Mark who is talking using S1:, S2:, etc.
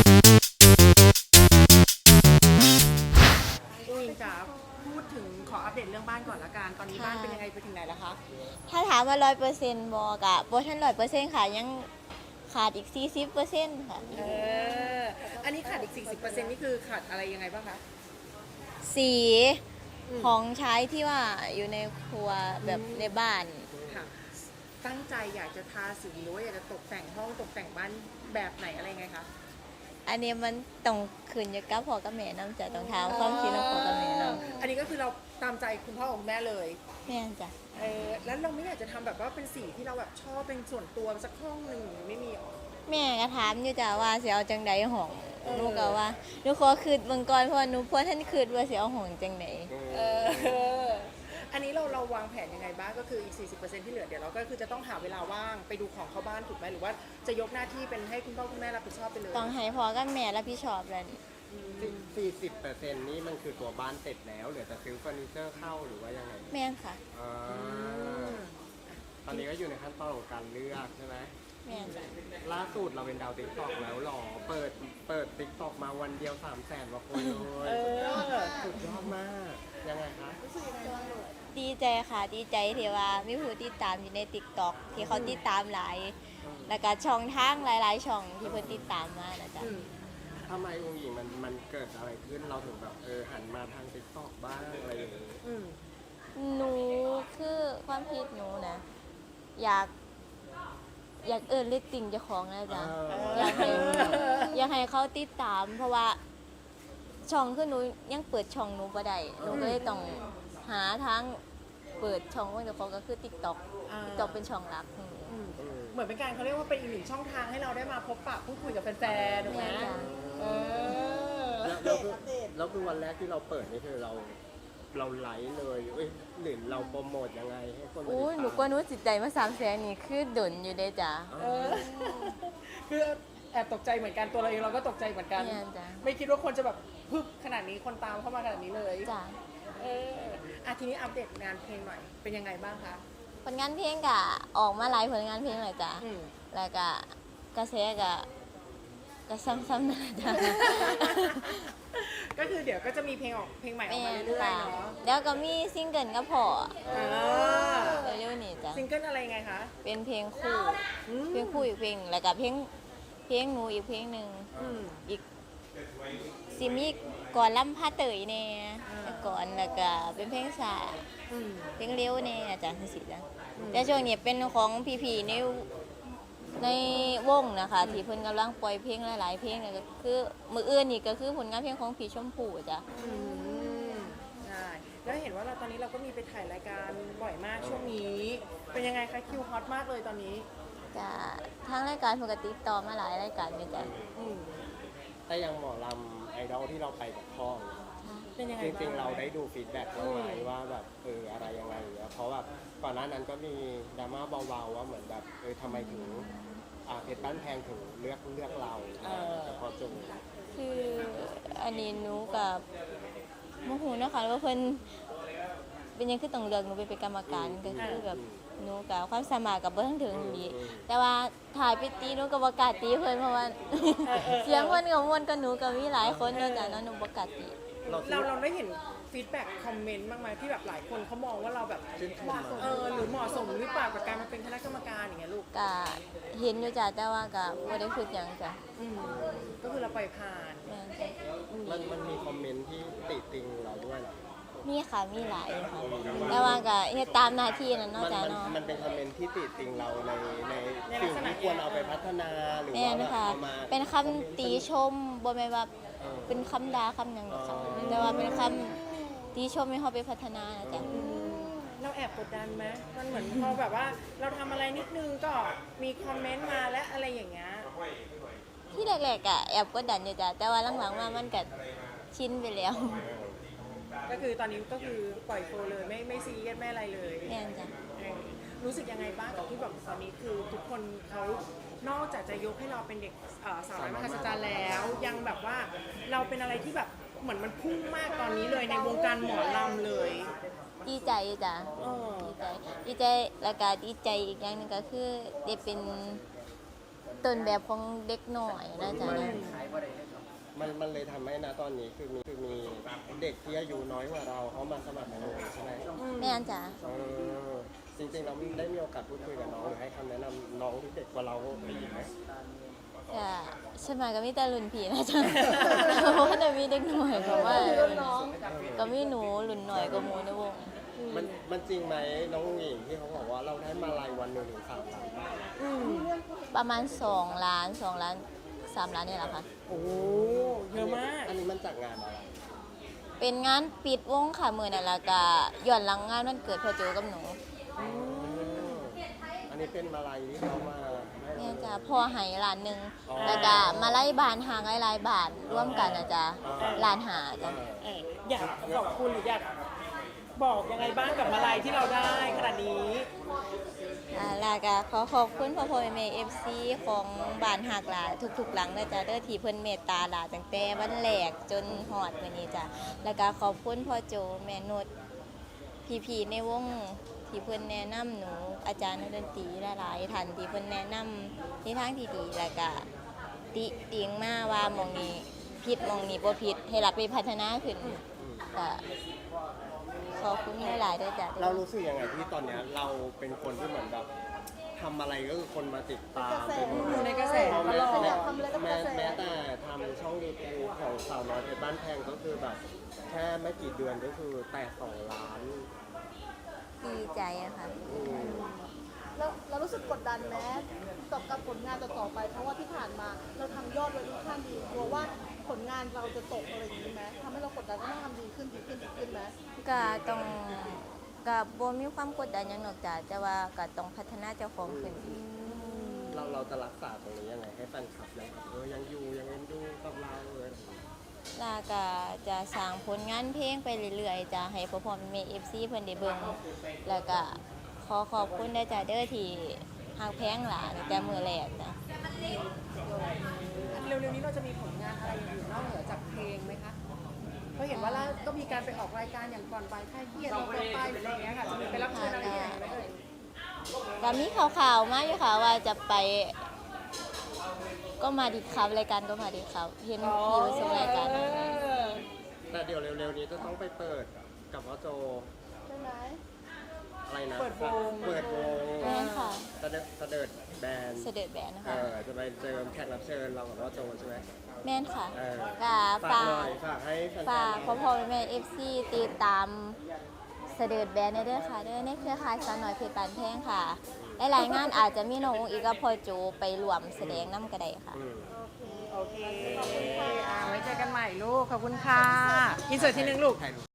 S1: อุ้ยจ๋าพูดถึงขออัปเดตเรื่องบ้านก่อนละกันตอนนี้บ้านเป็นยังไงไปถึงไหนแล้วคะ
S2: ถ้าถามว่า100%บอกะบ่ทัน100%ค่ะยังขาดอีก40%ค่ะ
S1: เอออันนี้ขาดอีก 40%นี่คือขาดอะไรยังไงบ้างคะ
S2: สีของใช้ที่ว่าอยู่ในครัวแบบในบ้าน
S1: ค่ะตั้งใจอยากจะทาสีหรือว่าอยากจะตกแต่งห้องตกแต่งบ้านแบบไหนอะไรไงคะ
S2: อันนี้มันต้องขึ้นอยู่กับพ่อกับแม่นำจ้ะต้องถามความคิดของพ่อกับแม่นำ
S1: อันนี้ก็คือเราตามใจคุณพ่อคุณแม่เลย
S2: แม่นจ้ะ
S1: แล้วเราไม่อยากจะทำแบบว่าเป็นสีที่เราแบบชอบเป็นส่วนตัวสักห้องหนึ่งไม่มีหรอ
S2: แม่ก็ถามอยู่จ้ะว่าสิเอาจังใดห้องหนูก็ว่าหนูขอคิดเบิ่งก่อนเพราะว่าหนูบ่ทันคิดว่าสิเอาห้องจังได๋
S1: อันนี้เราวางแผนยังไงบ้างก็คืออีก 40% ที่เหลือเดี๋ยวเราก็คือจะต้องหาเวลาว่างไปดูของเข้าบ้านถูกไหมหรือว่าจะยกหน้าที่เป็นให้คุณพ่อคุณแม่รับผิดชอบไปเลย
S2: ต้องให้พ่อกับแม่รับผิดชอบแล้ว
S3: 40%นี่มันคือตัวบ้านเสร็จแล้วเหลือแต่ซื้อเฟอร์นิเจอร์เข้าหรือว่ายังไง
S2: แม่นค่ะ
S3: อ่าตอนนี้ก็อยู่ในขั้นตอนของการเลือกใช่ไหม
S2: แม่นจ้ะ
S3: ล่าสุดเราเป็นดาวติ๊กต็อกแล้วหรอเปิดติ๊กต็อกมาวันเดียว300,000กว่าคนเลยสุดยอดมากยังไงคะ
S2: ดีใจค่ะดีใจที่ว่ามีผู้ติดตามอยู่ใน TikTok ที่เขาติดตามหลายแล้วก็ช่องทางหลายๆช่องที่เพิ่นติดตามมานะจ๊ะ
S3: ทำไมองค์หญิงมันเกิดอะไรขึ้นเราถึงแบบหันมาทางติ๊กต็อกบ้างอะไรอย่างนี้
S2: หนูคือความคิดหนูนะอยากเรตติ้งเจ้าของนะจ๊ะอยากให้เขาติดตามเพราะว่าช่องคือหนูยังเปิดช่องหนูบ่ได้หนูก็เลยต้องหาทางเปิดช่องของเจ้าของก็คือ TikTok เป็นช่องหลัก
S1: เหมือนเป็นการเขาเรียกว่าเป็นอีกหนึ่งช่องทางให้เราได้มาพบปะพูดคุยกับแฟนๆถูกไหม
S3: แล้วคือวันแรกที่เราเปิดนี่คือเราไลฟ์เลยหรือเราโปรโมทยังไงให้คนมาติดตาม
S2: หนูก็นู้จิตใจมา300,000นี่คือดนอยู่เด้จ้ะ
S1: คือแอบตกใจเหมือนกันตัวเราเองเราก็ตกใจเหมือนกันไม่คิดว่าคนจะแบบพึบขนาดนี้คนตามเข้ามาขนาดนี้เลย
S2: จ้ะ
S1: ทีนี้อัปเดตงานเพลงหน่อยเป็นยังไงบ้างคะ
S2: ผลงานเพลงก็ออกมาหลายผลงานเพลงเลยจ้ะแล้วก็กระแสก็ซ้ำๆนะจ๊ะ
S1: ก็คือเดี๋ยวก็จะมีเพลงใหม่ออกมาเรื่อยๆเนาะ
S2: แล้วก็มีซิงเกิลกับพ่อเร็วๆนี่จ้ะ
S1: ซิงเกิลอะไรไงคะ
S2: เป็นเพลงคู่อีกเพลงแล้วก็เพลงหนูอีกเพลงหนึ่งอีกซิมีก่อนลำพาเตยแน่ก่อนแล้วก็เป็นเพลงสาเพลงเร็วแน่จ้ะสิจ้ะแต่ช่วงนี้เป็นของพี่ๆในวงนะคะที่เพิ่นกำลังปล่อยเพลงหลายๆเพลงก็คือมืออื่นนี่ก็คือผลงานเพลงของพี่ชมพู่จ้ะ
S1: ใช่แล้วเห็นว่าตอนนี้เราก็มีไปถ่ายรายการบ่อยมากช่วงนี้เป็นยังไงคะคิวฮอตมากเลยตอนนี้
S2: จ้ะทางรายการปกติต่อมาหลายรายการอยู่จ้ะ
S3: แต่ยังหมอลำไอดอลที่เราไปกับพ่อ
S1: เป็นยังไง
S3: จริงๆเราได้ดูฟีดแบ็กบ้างไหมว่าแบบอะไรยังไงเพราะแบบก่อนหน้านั้นก็มีดราม่าเบาๆว่าเหมือนแบบทำไมถึงเพชรบ้านแพงถึงเลือกเราแต่พอจง
S2: คืออันนี้หนูกับโมโหนะคะว่าเพิ่นเป็นยังคือต้องเลือกหนูไปเป็นกรรมการก็คือแบบหนูกับความสามารถกับเบิ้งถึงดีแต่ว่าถ่ายไปตีหนูกับประกาศตีเพิ่นเพราะว่าเสียงเพิ่นกับมวลกับหนูกับมีหลายคนเนาะจ้ะเนาะหนูประกาศตี
S1: เราได้เห็นฟีดแบ็กคอมเมนต์บ้างไหมที่แบบหลายคนเขามองว่าเราแบบเหมาะสมหรือเหมาะสมหรือเปล่ากับการมาเป็นคณะกรรมการอย่างเงี้ยลูก
S2: ก็เห็นอยู่จ้ะแต่ว่าก็บ่ได้คิดหยังจ้ะ
S1: ก็คือเราปล่อยผ่าน
S3: มันมีคอมเมนต์ที่ติติงเราด้วยเหรอ
S2: มีค่ะมีหลายค่ะแต่ว่าก็เฮ็ดตามหน้าที่นั่นเนาะจ้ะเนาะ
S3: มันเป็นคอมเมนต์ที่ติติงเราในสิ่งที่ควรเอาไปพัฒนาหรือว่า
S2: เอามาเป็นคำติชมบ่แม่นว่าเป็นคำด่าคำหยังค่ะแต่ว่าเป็นคำติชมให้เฮาไปพัฒนานะจ๊ะ
S1: เราแอบกดดันไหมมันเหมือนพอแบบว่าเราทำอะไรนิดนึงก็มีคอมเมนต์มาและอะไรอย่างเงี้ย
S2: ที่แรกๆอ่ะแอบกดดันอยู่จ้ะแต่ว่าหลังๆมามันก็ชินไปแล้ว
S1: ก็คือตอนนี้ก็คือปล่อยโฟเลยไม่ซีเรียสไม่อะไรเลย
S2: แม่นจ้ะ
S1: รู้สึกยังไงบ้างกับที่แบบตอนนี้คือทุกคนเขานอกจากจะยกให้เราเป็นเด็กสาวน้อยมหัศจรรย์แล้วยังแบบว่าเราเป็นอะไรที่แบบเหมือนมันพุ่งมากตอนนี้เลยในวงการหมอลำเลย
S2: ดีใจจ้ะดีใจแล้วก็ดีใจอีกอย่างนึงก็คือได้เป็นต้นแบบของเด็กหน่อยนะจ๊ะนะ
S3: มันเลยทำให้นะตอนนี้คือมีเด็กที่อายุน้อยกว่าเราเขามาสมัครในโรงเรียนใช่ไหม
S2: แม่นจ้ะ
S3: เออจริงๆเราได้มีโอกาสพูดคุยกับน้องหรือให้คำแนะนำน้องที่เด็กกว่าเราไปอีกไหม
S2: จ้ะใช่ไหมก็มีแต่รุ่นพี่นะจ๊ะ เพราะว่าจะมีเด็กหน่อยเพราะว่าก็มีหนูรุ่นหน่อยก็มูในวง
S3: มันจริงไหมน้องหญิงที่เขาบอกว่าเราได้มาลัยวันหนึ่งถึง3 ล้านบาท
S2: ประมาณ2 ล้าน 2 ล้าน 3 ล้านนี่แหละค่ะ
S1: โอ้เยอะมาก
S3: อันนี้มันจากงานอะไร
S2: เป็นงานปิดวงค่ะมือนั่นแหละก็ย้อนหลังงานวันเกิดพ่อโจกับหนู
S3: อันนี้เป็นมาลัยที่เขามาให้เรา
S2: เนี่ยจ้ะพ่อให้ล้านหนึ่งแล้วก็มาไล่บานหางหลายๆบาทร่วมกันนะจ๊ะล้านหาจ้ะ
S1: อยากขอบคุณหรืออยากบอกยังไงบ้างกับมาลัยที่เราได้ขนาดนี้
S2: แล้วก็ขอขอบคุณพ่อพ่อแม่เอฟซีของบ้านหักหลาทุกๆหลังนะจ๊ะเด้อที่เพิ่นเมตตาหลาตั้งแต่วันแรกจนฮอดวันนี้จ้ะแล้วก็ขอบคุณพ่อโจแม่นุชพี่ๆในวงที่เพิ่นแนะนำหนูอาจารย์นักดนตรีหลายๆท่านที่เพิ่นแนะนำในทางที่ดีแล้วก็ติติงมาว่าหมองนี้ผิดหมองนี้บ่ผิดให้รับไปพัฒนาขึ้นก็ขอบคุณหลายๆด้วยจ้ะ
S3: เรารู้สึกยังไงที่ตอนเนี้ยเราเป็นคนที่เหมือนแบบทำอะไรก็คือคนมาติดตามเป็น
S1: อยู่ในกระแสตลอด
S3: แม้แต่ทำช่องยูทูบของสาวน้อยเพชรบ้านแพงก็คือแบบแค่ไม่กี่เดือนก็คือแตะ2 ล้าน
S2: ดีใจอะค่ะ
S4: แล้วเรารู้สึกกดดันไหมกับผลงานต่อๆไป เพราะว่าที่ผ่านมาเราทำยอดไว้ค่อนข้างดีกลัวว่าผลงานเราจะตกอะไรอย่างนี้ไหมทำให้เรากดดันว่าต้องทำดีขึ้นไหม
S2: ก็ต้องก็บ่มีความกดดันหยังหรอกจ้ะแต่ว่าก็ต้องพัฒนาเจ้าของขึ้นอีก
S3: เราจะรักษาตรงนี้ยังไงให้แฟนคลับยังอยู่ยังเอ็นดูกับเราเลย
S2: แล้วก็จะสร้างผลงานเพลงไปเรื่อยๆจ้ะให้พ่อพ่อแม่ FC เพิ่นได้เบิ่งแล้วก็ขอขอบคุณนะจ้ะเด้อที่ฮักแพงหลานตั้งแต่มื้อแรกจ้ะ
S1: เร็วๆนี้เราจะมีผลงานอะไรอย่างอื่นนอกเหนือจากเพลงไหมคะเพราะเห็นว่าล่าก็มีการไปออกรายการอย่างก่อนไปค่ายเกียรติเราไปหรืออะไรอย่างเงี้ยค่ะจะมีไปรับเชิญอะไรอย่างเงี้ยไหมเอ่ย
S2: ก็มีข่าวๆมาอยู่ค่ะว่าจะไปก็มาดีครับรายการก็มาดีครับเห็นพี่ไปส่งรายการ
S3: แต่เดี๋ยวเร็วๆนี้จะต้องไปเปิดกับพ่อโจ
S4: ใช่ไหม
S3: อะไรนะ
S1: เปิดวง
S3: เปิดวง
S2: แม่นค่ะ
S3: เสด็จแบนด์
S2: เสด็จแบนนะ
S3: เอ
S2: คะ
S3: อจะไปเจอแขกรับเชิญเรากับพ่อโจใช่ไหม
S2: แม่นค่ะ
S3: เออ
S2: ก็
S3: ฝาก
S2: ฝา
S3: หน่อก ยฝากให้แฟนๆ
S2: ฝากพ่อพ่อแม่เอฟซีติดตามเสด็จแบนเด้อค่ะเด้อในเครือข่ายสาวน้อยเพชรปานแพงค่ะหลายๆงานอาจจะมีน้ององค์อีกกับพ่อโจไปรวมแสดงน้ำกระไดค่ะ
S1: โอเคไว้เจอกันใหม่ลูก ขอบคุณค่ะอินเสิร์ตทีนึงลูก
S3: ถ่ายรูป